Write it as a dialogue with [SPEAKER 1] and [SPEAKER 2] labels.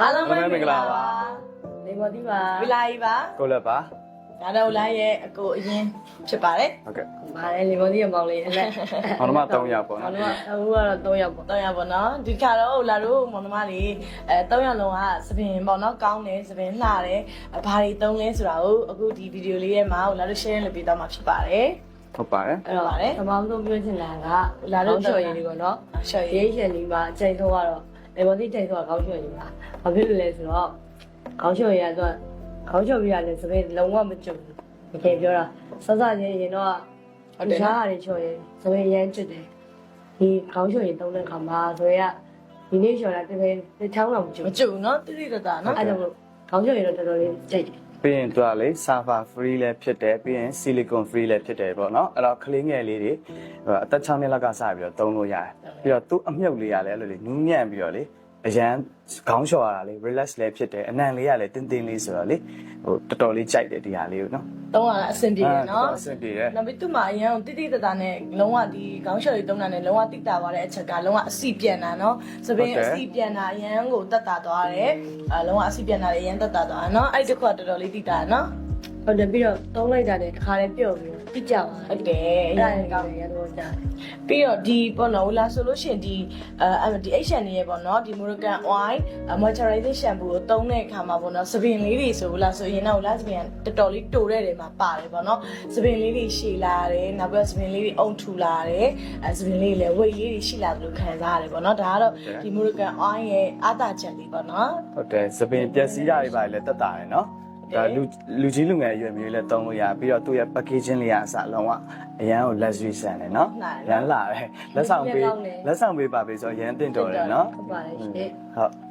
[SPEAKER 1] အားလုံးပဲမင်္ဂလာပါနေမော်ဒီပါဝီလာကြီးပါကိုလည်းပါဒါတော့လိုင်းရဲ့အကိုအရင်ဖြစ်ပါတယ်ဟုတ်ကဲ့ပါတယ်လေမော်ဒီရဲ့မောင်လေးအလက်မောင်နှမ3ယောက်ပေါ့နော်မောင်နှမအခုကတော့3ယောက်ပေါ့3ယောက်ပေါ့နော်ဒီခါတော့လာတို့မောင်နှမလေး3ယောက်လုံးကသပင်ပေါ့နော်ကောင်းတယ်သပင်လှတယ်ဘာတွေသုံးလဲဆိုတာကိုအခုဒီဗီဒီယိုလေးရဲ့မှာလာတို့ share လုပ်ပေးတော့မှာဖြစ်ပါတယ်ဟုတ်ပါတယ်အဲ့တော့ပါတယ်ပထမဆုံးပြောချင်တာကလာတို့ချော်ရည်လေးပေါ့နော်ချော်ရည်ရှင်ဒီမှာအချိန်ဆုံးကတော့လေမော်ဒီချိန်ဆုံးကခေါင်းချော်ရည်ပါဘာဖြစ်လို့လဲဆိုတော့ခေါင်းချော်ရည်ကတော့ခေါင်းချော်ရည်ရတယ်ဆိုရင်လုံးဝမကြုံဘူးတကယ်ပြောတာစစချင်းရင်တော့ဟုတ်တယ်ရှားရတယ်ချော်ရည်ဆိုရင်ရမ်းကျွတ်တယ်ဒီခေါင်းချော်ရည်သုံးတဲ့ခါမှာဆိုရင်ဒီနေ့ချော်တာတကယ်တစ်ချောင်းတော့မကြုံဘူးနော်တိတိတတ်တာနော်အဲ့ဒါလို့ခေါင်းချော်ရည်တော့တော်တော်လေးကြိုက်တယ်ပြီးရင်သူကလေ server free လည်းဖြစ်တယ်ပြီးရင် silicon free လည်းဖြစ်တယ်ပေါ့နော်အဲ့တော့ကလေးငယ်လေးတွေအသက်6နှစ်လောက်ကစပြီးတော့သုံးလို့ရတယ်ပြီးတော့သူ့အမြုပ်လေးကလည်းအဲ့လိုလေနူးညံ့ပြီးတော့လေအရန်ခေါင်းလျှော်ရတာလေ relax လည်းဖြစ်တယ်အနံလေးကလည်းတင်းတင်းလေးဆိုတော့လေဟိုတော်တော်လေးကြိုက်တယ်ဒီဟာလေးကိုနော်သုံးရတာအဆင်ပြေတယ်နော်အဆင်ပြေတယ်နောက်ပြီးသူ့မှာအရန်တိတိတတ်တာနဲ့လုံးဝဒီခေါင်းလျှော်လေးသုံးတာနဲ့လုံးဝတိတာသွားတဲ့အချက်ကလုံးဝအစီပြန်တာနော်သပင်းအစီပြန်တာအရန်ကိုတတ်တာသွားတယ်လုံးဝအစီပြန်တာလည်းအရန်တတ်တာသွားတယ်နော်အဲ့ဒီတစ်ခုကတော်တော်လေးတိတာနော်ဟုတ်တယ်ပြီးတော့သုံးလိုက်တာနဲ့တစ်ခါလေးပြုတ်ပြီးတိကျပါဟုတ်တယ်အဲ့ဒါလည်းကောင်းတယ်ရတော့ကြာပြီးတော့ဒီပေါ့နော်လာဆိုလို့ရှိရင်ဒီဒီ Asian ရဲ့ပေါ့နော်ဒီ Moroccan oil moisturizing shampoo ကိုသုံးတဲ့အခါမှာပေါ့နော်သပင်လေးတွေဆိုလာဆိုရင်တော့လာသပင်တော်တော်လေးတိုတဲ့နေမှာပါတယ်ပေါ့နော်သပင်လေးတွေရှည်လာတယ်နောက်ပြီးသပင်လေးတွေအုံထူလာတယ်သပင်လေးလည်း weight လေးတွေရှိလာတယ်လို့ခံစားရတယ်ပေါ့နော်ဒါကတော့ဒီ Moroccan oil ရဲ့အားသာချက်လေးပေါ့နော်ဟုတ်တယ်သပင်ပျက်စီးတာတွေပါလေတက်တာတယ်နော်ဒါလူကြီးလူငယ်အရွယ်မျိုးလည်းသုံးလို့ရပြီးတော့သူ့ရဲ့ packaging လေးကအစလုံးဝအရန်ကို luxury ဆန်တယ်နော်ရန်လာတယ်လက်ဆောင်ပေးပါပေးဆိုအရန်တင့်တော်တယ်နော်ဟုတ်ပါတယ်ရှင်ဟုတ်